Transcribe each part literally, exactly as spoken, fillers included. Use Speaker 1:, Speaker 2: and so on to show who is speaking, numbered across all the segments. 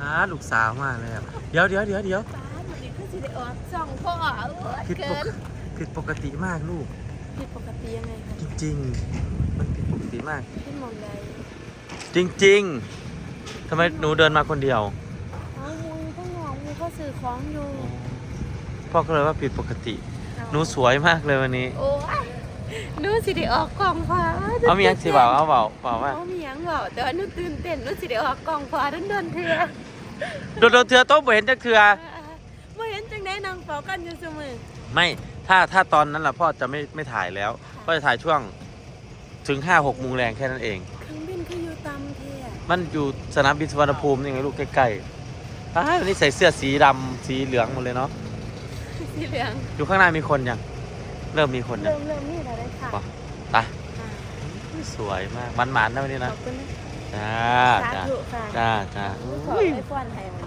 Speaker 1: อ่าลูกสาวมากเลยเดี๋ยวเดี๋ยวเดี๋ยวเดี๋ยว
Speaker 2: สองพ่อ
Speaker 1: ผิดปกผิดปกติมากลูก
Speaker 2: ผิดปกติยังไงคะ
Speaker 1: จริงๆมันผิดปกติมาก
Speaker 2: ที่มองใด
Speaker 1: จริงๆทำไมหนูเดินมาคนเดียว
Speaker 2: อ๋อมูต้องมองมูก็ซื้อของอยู่
Speaker 1: พ่อก็เลยว่าผิดปกติหนูสวยมากเลยวันนี้
Speaker 2: โอ้ยหนูสิได้ออกกล่องฟ้า
Speaker 1: เอามียังสิเบาเอาเบาเบาว่า
Speaker 2: เอามียังเบาแต่ว่าหนูตื่นเต้นหนูสิได้ออกกล่องฟ้าโดนๆเถื่อ
Speaker 1: โดนโดนเถื่อโต๊ะบ่เห็นจักเถื่อ
Speaker 2: ไม่เห็นจังได้นางเฝ้ากันอยู่เสมอ
Speaker 1: ไม่ถ้าถ้าตอนนั้นล่ะพ่อจะไม่ไม่ถ่ายแล้วพ่อจะถ่ายช่วงถึงห้าหกโมงแรงแค่นั้นเอง
Speaker 2: เครื่องบินคืออยู่ตามเที่ย
Speaker 1: มันอยู่สนามบินสุวรรณภูมินี่ไงลูกใกล้ๆอ้าววันนี้ใส่เสื้อสีดำสีเหลืองหมดเลยเนาะ
Speaker 2: สีเหลือง
Speaker 1: อยู่ข้างหน้ามีคนยังเริ่มมีคนยัง
Speaker 2: เริ่มเริ่มนี่แล้วได้ค่ะ
Speaker 1: ไปสวยมากมันหมานนะวันนี้นะจ้าจ้าจ้าจ้า
Speaker 2: ขอให้ฟอนไทยมัน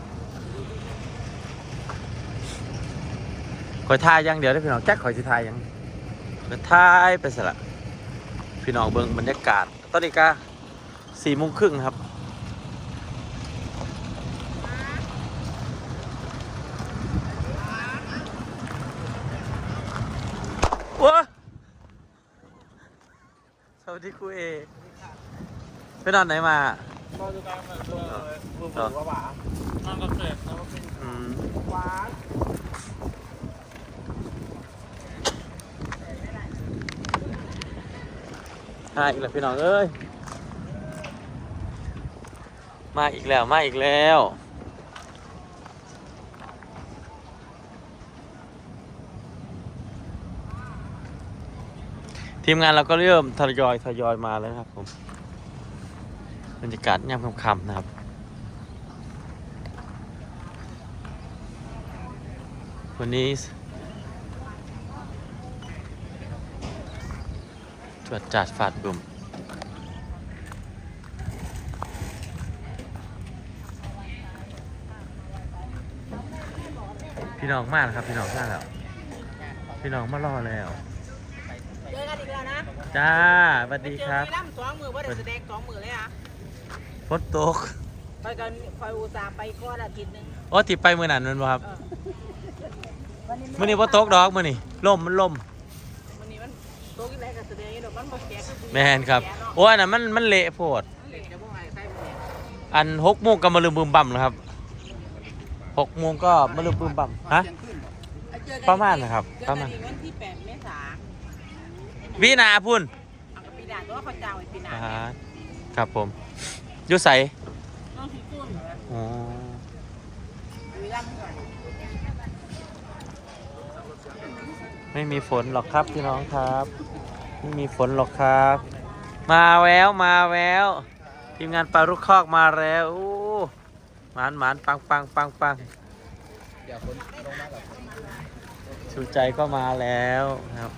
Speaker 1: คอยทายยังเดี๋ยวได้พี่น้องแจ็คคอยสิทายยังคอยทายไปสละพี่น้องเบิ่งบรรยากาศตอนนี้ก็สี่โมงครึ่งครับว้าสวัสดีครูเอไปนอนไหนมาน
Speaker 3: อนอยู่กลางแบบตัวมือมือว่าหวานอนกับเศษแล้วก็เป็นหวาน
Speaker 1: มาอีกแล้วพี่น้องเอ้ยมาอีกแล้วมาอีกแล้วทีมงานเราก็เริ่มทยอยทยอยมาแล้วครับผมบรรยากาศยามค่ำๆนะครับวันนี้ตรวจจัดฝาดบุ่มพี่น้องมากนะครับพี่น้องมากแล้วพี่น้องมารอแล้ว
Speaker 4: เจอกันอีกแล้วนะ
Speaker 1: จ้าสวัสดีครับ
Speaker 4: เจอกันสองมือว่าได้แสดงสองมือเลยอ่ะ
Speaker 1: ฝนตก
Speaker 4: ไปกันคอยอุตส่าห์ไปก้อนอาทิตย์นึง
Speaker 1: โอ้ติดไปมือหนันมันบ่ครับมือนี้ฝนตกดอกมือนี่ล่มมันล่ม
Speaker 4: วันนี้มันตกอีกแล้วกับแสดงอีกดอกมันบ่แก่
Speaker 1: แม่นครับโอ้ยน่ะมันมันเละโพดอันหกโมงก็มาลืมบึมบั่มแล้วครับหกโมงก็มาลืมบึมบั่มฮะประมาณนะครับประมาณ
Speaker 4: วันที่แปดเมษายน
Speaker 1: วินาพุ่น
Speaker 4: ปีหน้าตัวเขาจ้างไว้ปีหน้า
Speaker 1: ครับผมยุใส
Speaker 4: น้องสีกุ้น
Speaker 1: อ๋อไม่มีฝนหรอกครับพี่น้องครับไม่มีฝนหรอกครับมาแววมาแววทีมงานปลาลูกคอกมาแล้วโอ้หมานหมานปังปังปังปังชูใจก็มาแล้วครับ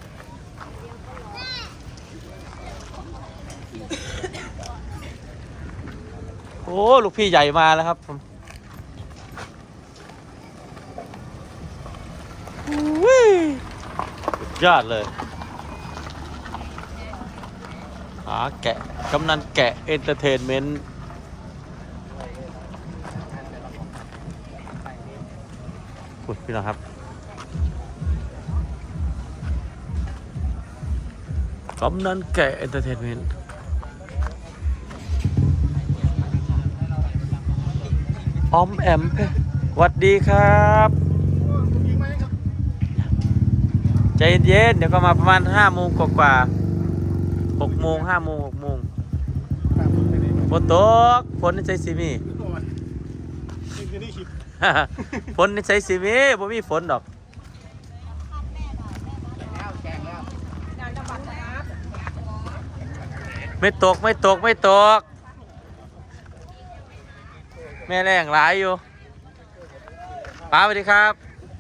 Speaker 1: โอ้ลูกพี่ใหญ่มาแล้วครับผมสุดยอดเลยหาแกะกำนันแกะเอนเตอร์เทนเมนต์พูดพี่น้องครับกำนันแกะเอนเตอร์เทนเมนต์ออมแอมสวัสดีครับใจเย็นๆเดี๋ยวก็มาประมาณห้าโมงกว่าๆหกโมงห้าโมงหกโมงฝนตกฝนในใจสิมีฝนในใจสิมีบ่มีฝนดอกไม่ตกไม่ตกไม่ตกแม่แรงหลายอยู่ป้าสวัสดีครับ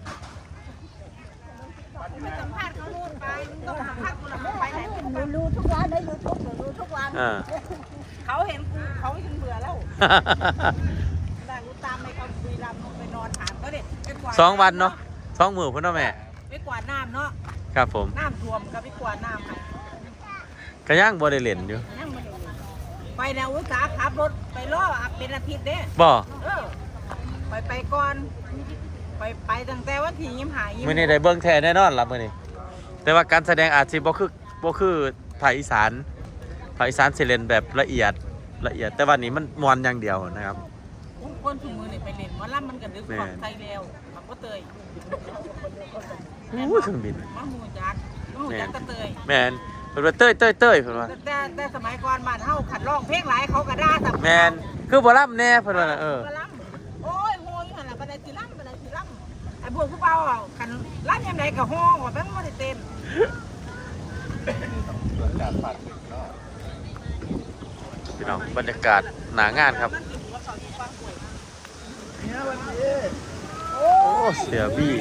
Speaker 4: รู้ทุกวันได้ยูทูบรู้ทุกวันเขาเห็นกูเขาจนเบื่อแล้วแต่กูตามไปเขาคุยรำไปนอนถามก็เด็ด
Speaker 1: สองวันเนาะสองมือพุ่นเนาะแม่
Speaker 4: ไปกวาดน้ำเนาะ
Speaker 1: ครับผม
Speaker 4: น้ำท่วมกับไปกวาดน้ำ
Speaker 1: กระย่างบ่ได้เล่นอยู่
Speaker 4: ไปไปแนวอุตสาหขับรถไปล่อเป็นอาทิตย์เด้
Speaker 1: บ่
Speaker 4: เออไปไปก่อนไปไปตั้งแต่วันที่ยิ้มหายยิ้ม
Speaker 1: มื้อนี้ได้เบิ่งแท้แน่นอนล่ะมื้อนี้แต่ว่าการแสดงอาจสิบ่คือบ่คือภาคอีสานภาคอีสานสิเล่นแบบละเอียดละเอียด แต่ว่านี้มันม่วนอย่างเดียวนะครับ
Speaker 4: คนถุงมือนี่ไปเล่นหมอลำมันกันดึกของไทยแล้วมันก็เตย
Speaker 1: อู้เครื่องบิน
Speaker 4: มันหูจักมันหูจักก็เตย
Speaker 1: แม่นเพิ่นว่าเต้ยเต้ยเต้ยเพิ่นว่า
Speaker 4: แต่แต่สมัยก่อนบ้านเฮาขัดร้องเพลงหลายเขาก็ด่าแต่
Speaker 1: แม่นคือบ่รับแน่เพิ่นว่าน่ะเออ
Speaker 4: หมอลำโอ้ยโหยหั่นล่ะบ่ได้สิลำบ่ได้สิลำไอ้พวกผู้เบาอ่ะคันลำยามใดก็ฮ้องว่าแม่งบ่ได้เต้น
Speaker 1: พี่น้องบรรยากาศหนางานครับโอ้เสียบี้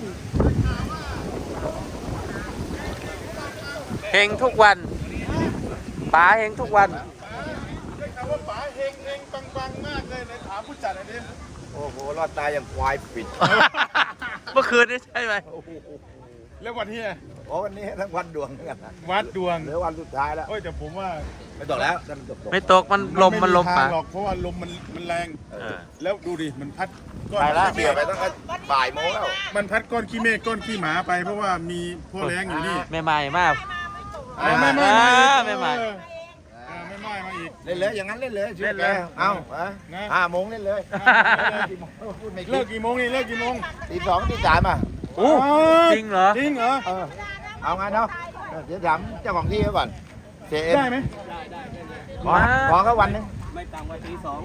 Speaker 1: เฮงทุกวันป๋าเฮงทุกวัน
Speaker 3: ได้ข่าวว่าป๋าเฮงเฮงปังปังมากเลยไหนถามผู้จัดหน่อยดิ
Speaker 5: โอ้โห รอดตายอย่างควายปิด
Speaker 1: เมื่อคืนนี่ใช่ไหม
Speaker 3: แล้ววันที่
Speaker 5: โอ้วันนี้ทั้งวันดวงเหมือนกันนะ
Speaker 3: วัดดวง
Speaker 5: เหลือวันสุดท้ายแล้ว
Speaker 3: โอ้ยแต่ผมว่า
Speaker 5: ไม่ตกแล้วท่านตกตก
Speaker 1: ไม่ตกมันลมมันลม
Speaker 3: ไทา
Speaker 1: ป๋าง
Speaker 3: หรอกเพราะว่าลมมันมันแรง
Speaker 1: เออ
Speaker 3: แล้วดูดิมันพัดก้อน
Speaker 5: ไปแล้ว
Speaker 3: ขี้
Speaker 5: เกี่ยว
Speaker 3: เม
Speaker 5: ไป
Speaker 3: ฆ
Speaker 5: ตั้งแต่บ่ายโมงแล้ว
Speaker 3: มันพัดก้อนขี้เมฆก้อนขี้หมาไป เพราะว่ามีพ่อแรงอยู่นี่
Speaker 1: แม่ใหม่มาก
Speaker 3: อ่าไม่ไม่
Speaker 1: อ่า
Speaker 3: ไม่
Speaker 1: ไม่ไม่
Speaker 3: เอออ่าไม่ไม่มาอีก
Speaker 5: เล่นเลยอย่างนั้นเล่นเลย
Speaker 1: เล่นเลย
Speaker 5: เอ้าอะ
Speaker 3: นะ
Speaker 5: ห้าโมงเล่นเลย
Speaker 3: อ่าเล่นเลย
Speaker 5: กี่โมงพูดไม่คิ
Speaker 3: เลิ
Speaker 5: ด
Speaker 3: กกี่โมงนี่เลิกกี่โมง
Speaker 5: ตีสองตีสามอ่ะ
Speaker 1: โอ้จริงเหรอ
Speaker 3: จริงเหรอ
Speaker 5: เออเอาไงเนาะเดี๋ยวถามเจ้าของที่เขาก่อนเจเอ็ม
Speaker 3: ได้ไหม
Speaker 5: ขอขอเขาวันหนึง
Speaker 3: ไม่ต่ำกว่าที่สอง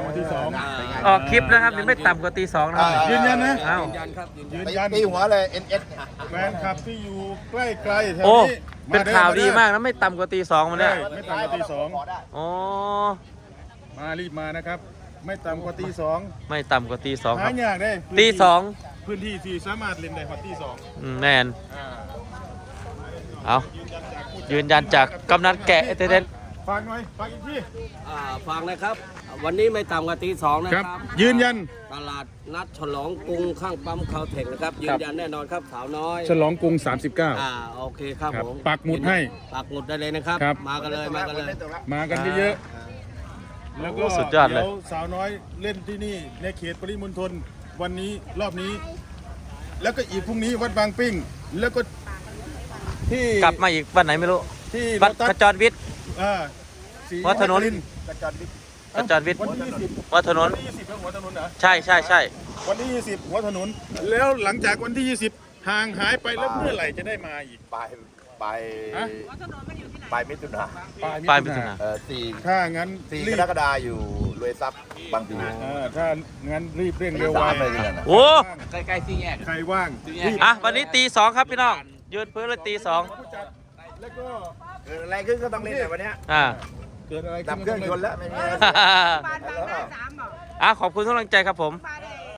Speaker 5: เป็นไง
Speaker 1: ออกคลิปนะครับนี่ไม่ต่ำกว่าตีสองนะครับ
Speaker 5: เออ
Speaker 3: ยืนยันนะ
Speaker 1: เอ้า
Speaker 3: ยืน
Speaker 5: ไป
Speaker 3: ยัน
Speaker 5: ตีหัวเลย เอ็น เอส
Speaker 3: แฟนคลับที่อยู่ใกล้ไกลแถว
Speaker 1: โอ้
Speaker 3: นี้
Speaker 1: เป็น
Speaker 3: ด้อ
Speaker 1: ข่าวดี
Speaker 3: ด้อ
Speaker 1: มากนะไม่ต่ำกว่าตีสองมันเนี่ย
Speaker 3: ใช่ ไม่ต่ำกว่าตีสอง
Speaker 1: อ๋อ
Speaker 3: มารีบมานะครับ ไม่ต่ำกว่าตีสอง
Speaker 1: ไม่ต่ำกว่าตีสองค
Speaker 3: หา
Speaker 1: รับ
Speaker 3: ยากได้
Speaker 1: ตีสอง
Speaker 3: พื้นที่ที่สามารถเล่นได้พอตีสอง
Speaker 1: อืมแมน
Speaker 3: อ่า
Speaker 1: เอายืนยันจากกำนันแกะเอเทเดน
Speaker 3: ฝากหน่อยฝากอีกที
Speaker 6: อ่าฟังนะครับ วันนี้ไม่ต่ำกว่าตีสองนะ
Speaker 3: ค
Speaker 6: ค
Speaker 3: รั
Speaker 6: รับ บ
Speaker 3: ยืนยัน
Speaker 6: ตลาดนัดฉลองกรุงข้างปั๊มคาวเทคนะครับ ยืนยันแน่นอนครับสาวน้อย
Speaker 3: ฉลองกรุงสามสิบเก้า
Speaker 6: อ่าโอเคครับ
Speaker 3: ครับ
Speaker 6: ผม
Speaker 3: ปักหมุดให้
Speaker 6: ปักหมุดได้เลยนะครับ
Speaker 3: ครับ
Speaker 6: มากันเลยมากันเลย
Speaker 3: มากันเยอะๆแล้วก็
Speaker 1: โอ้สุดยอดเลย
Speaker 3: เดี๋ยวสาวน้อยเล่นที่นี่ในเขตปริมณฑลวันนี้รอบนี้ แล้วก็อีกพรุ่งนี้วัดบางปิ้ง แล้วก็ที่
Speaker 1: กลับมาอีกวันไหนไม่รู้
Speaker 3: ที่
Speaker 1: วัด
Speaker 3: โลตัส
Speaker 1: ขจรวิทย์
Speaker 3: อ่าศรี
Speaker 1: วัดถนน
Speaker 3: คริทร์
Speaker 5: กระจรวิทย์
Speaker 1: ขจรวิทย์
Speaker 3: วันที่ยี่สิบ
Speaker 1: วัดถนน
Speaker 3: วันที่ยี่สิบแล้วหัวถนนเหรอ
Speaker 1: ใช่ใช่ใช่
Speaker 3: วันที่ยี่สิบหัวถนน แล้วหลังจากวันที่ยี่สิบห่างหายไปแล้วเมื่อไหร่จะได้มาอีก
Speaker 5: ปลายปลาย
Speaker 3: ฮะ
Speaker 5: ปลายมิถุนา
Speaker 1: ปลายมิถุนา
Speaker 5: เอ่อสี่
Speaker 3: ถ้างั้น
Speaker 5: สี่
Speaker 3: รี
Speaker 5: ก
Speaker 3: บ
Speaker 5: รกฎาอยู่รวยทรัพย์บางปี
Speaker 3: เออถ้างั้นรีบเร่งเร็วไว
Speaker 5: สามเลยเนี่ยนะ
Speaker 1: โอ้
Speaker 6: ใกล้ๆสี่แยก
Speaker 3: ใครว่างรีบ
Speaker 1: อะวันนี้ตีสองครับพี่น้องยืนพื้นเลยตีสอง
Speaker 3: ผู้จัดแล้วก็
Speaker 5: เกิดอะไรขึ้นก็ต้องเล่นแต่วันเนี้ย
Speaker 1: อ่า
Speaker 3: เกิดอะไร
Speaker 5: ดับเครื่องชนแล้วไม่มีอะไร
Speaker 4: บ้านบางหน้าสามบอก
Speaker 1: อ่ะขอบคุณทุกกำลังใจครับผม
Speaker 4: บ้าน